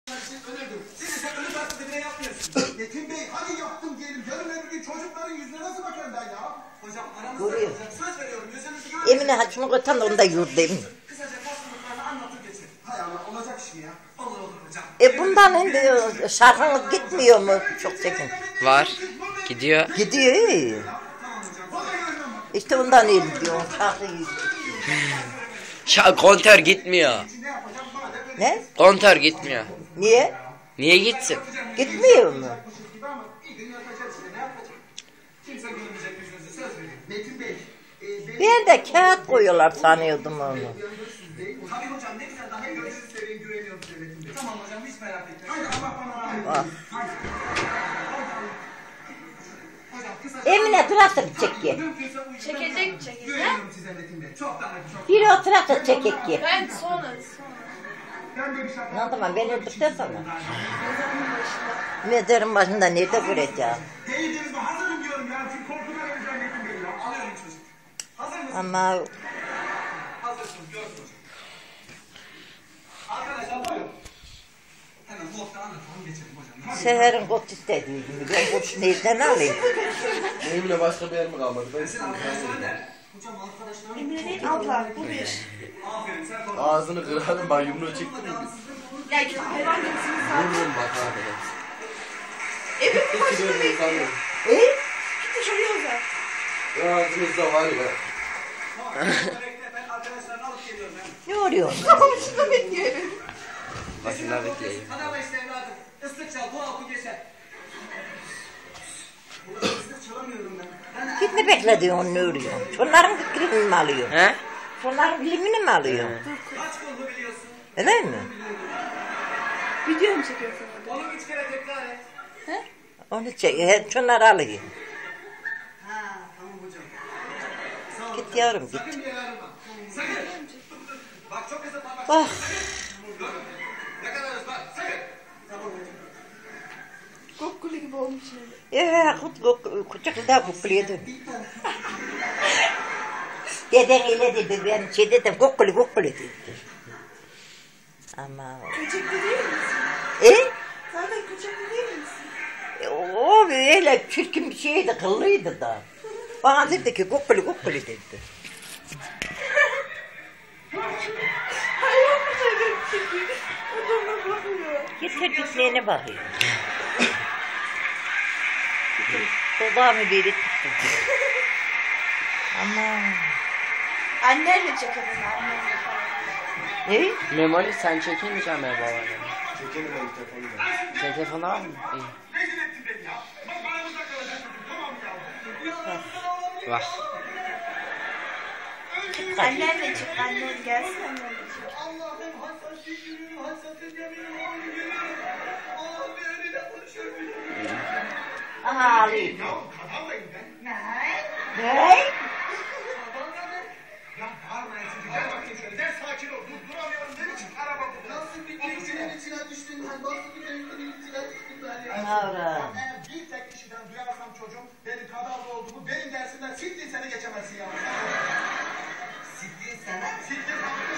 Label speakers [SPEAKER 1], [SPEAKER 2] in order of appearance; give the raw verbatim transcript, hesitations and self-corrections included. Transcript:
[SPEAKER 1] Siz ise ölü taklidi bile yapmıyorsunuz. Metin Bey hadi yaptım diyelim. Yarın öbür gün çocukların yüzüne nasıl bakarım ben ya? Hocam aramızda olacak. Söz veriyorum yüzünüzü görmeyeceğim.
[SPEAKER 2] Emine haçımı koytan da onu da yurdayım.
[SPEAKER 1] Kısaca basınlıklarını anlatıp geçin. Hay Allah olacak iş mi ya? Olur olur hocam.
[SPEAKER 2] E bundan şimdi şarkınız gitmiyor mu? Çok çekin.
[SPEAKER 3] Var. Gidiyor.
[SPEAKER 2] Gidiyor iyi. İşte ondan iyi gidiyor. Şarkı iyi.
[SPEAKER 3] Şa kontör gitmiyor.
[SPEAKER 2] Ne?
[SPEAKER 3] Kontör gitmiyor.
[SPEAKER 2] Niye?
[SPEAKER 3] Niye gitsin?
[SPEAKER 2] Gitmiyor mu? Ben de kağıt koyuyorlar sanıyordum onu.
[SPEAKER 1] Tabii hocam ne güzel daha gözünü seveyim güveniyorum size Metin Bey. Tamam hocam hiç merak etmeyin. Haydi Allah bana rahmet eylesin.
[SPEAKER 2] Emine traktör çek ki.
[SPEAKER 4] Çekecek çekecek.
[SPEAKER 1] Güveniyorum size Metin Bey. Çok daha çok.
[SPEAKER 2] Bir o traktör çekek ki.
[SPEAKER 4] Ben sonra sonra.
[SPEAKER 1] Ben de bir şaka.
[SPEAKER 2] Ne zaman ben öldükten sonra. Mezarın başında nerede kuracağım?
[SPEAKER 1] Değildiniz mi? Hazırım diyorum ya. Çünkü korkudan öleceğim Metin Bey ya. Alıyorum çocuk. Hazır mısınız?
[SPEAKER 2] Ama
[SPEAKER 1] Hazırsınız görsünüz. Arkadaşlar buyurun. Hemen vodka anlatalım geçelim hocam.
[SPEAKER 2] Seher'in kot istediği gibi. Ben kot nereden alayım?
[SPEAKER 5] Benimle başka bir yer mi kalmadı? Ben
[SPEAKER 1] Hocam arkadaşlarım.
[SPEAKER 4] Emine değil abla bu bir.
[SPEAKER 1] Aferin sen konuş.
[SPEAKER 5] ağzını kırarım ben yumruğu çektim mi biz?
[SPEAKER 4] Ya hayvan gibisiniz zaten.
[SPEAKER 5] Vururum bak abi.
[SPEAKER 4] Evin başında bekliyor.
[SPEAKER 2] E?
[SPEAKER 4] Gitti şuraya uzak.
[SPEAKER 5] Ağzınızda var ya.
[SPEAKER 1] Ben arkadaşlarını alıp geliyorum ben.
[SPEAKER 2] Ne oluyor?
[SPEAKER 4] Başında bekliyor evin.
[SPEAKER 3] Başında bekleyeyim.
[SPEAKER 1] Hadi ama işte evladım. Islık çal bu oku geçer. Burada ıslık çalamıyorum ben.
[SPEAKER 2] Git ne beklediyorsun ne oluyor? Şunların fikrini mi alıyor?
[SPEAKER 3] He?
[SPEAKER 2] Şunların bilimini mi alıyor?
[SPEAKER 1] Kaç kollu biliyorsun?
[SPEAKER 2] Öyle mi?
[SPEAKER 4] Video mu çekiyorsun orada?
[SPEAKER 1] Onu üç kere tekrar et.
[SPEAKER 4] He?
[SPEAKER 2] Onu çek. He, şunları alıyor.
[SPEAKER 1] Ha tamam hocam. Sağ ol.
[SPEAKER 2] Git yavrum git.
[SPEAKER 1] Sakın bir yere ayrılma. Sakın. Bak çok kısa parmak.
[SPEAKER 2] Bak.
[SPEAKER 1] Dur. Ne kadarız bak. Sakın. Tamam hocam.
[SPEAKER 4] Kokkulu gibi olmuş şimdi.
[SPEAKER 2] Ya kut kut kucaklı da kukuluyordu. Deden öyle dedi ben şey dedim kukulu kukulu dedi. Ama
[SPEAKER 4] Kaçaklı değil misin?
[SPEAKER 2] e?
[SPEAKER 4] Zaten kaçaklı değil misin?
[SPEAKER 2] O öyle çirkin bir şeydi kıllıydı da. Bana dedi ki kukulu kukulu dedi.
[SPEAKER 4] Hayvan mı söylüyor çünkü? Adamlar bakıyor.
[SPEAKER 2] Git çocuklarına bakıyor. Dudağımı biri tuttu. Ama
[SPEAKER 4] Annenle çekelim annenle falan.
[SPEAKER 2] ne?
[SPEAKER 3] Memoli sen çekemeyeceğim ya babana.
[SPEAKER 5] Çekelim ben telefonla.
[SPEAKER 3] Sen telefonu var mı? İyi.
[SPEAKER 1] Rezil ettin beni ya. Bak aramızda kalacak çocuk. Tamam ya.
[SPEAKER 3] Bak.
[SPEAKER 4] Annenle çık annen gelsin annenle çık.
[SPEAKER 1] Allah'ım hassasiyet günüm, hassasiyet yeminim, oğlum günüm. Allah'ım bir önüne konuşuyor bir.
[SPEAKER 2] Aha alayım.
[SPEAKER 1] Ya kadavrayım ben. Ne?
[SPEAKER 2] Ne?
[SPEAKER 1] Ya bağırmayın sizi. Gel bakayım şöyle. Gel sakin ol. Dur duramıyorum. Ne biçim araba bu? Nasıl bir denizin içine düştün? Ben nasıl bir denizin içine düştün ben ya?
[SPEAKER 2] Anam.
[SPEAKER 1] Eğer bir tek kişiden duyarsam çocuğum benim kadavra olduğumu benim dersimden siktir seni geçemezsin ya. Siktir sana? Siktir.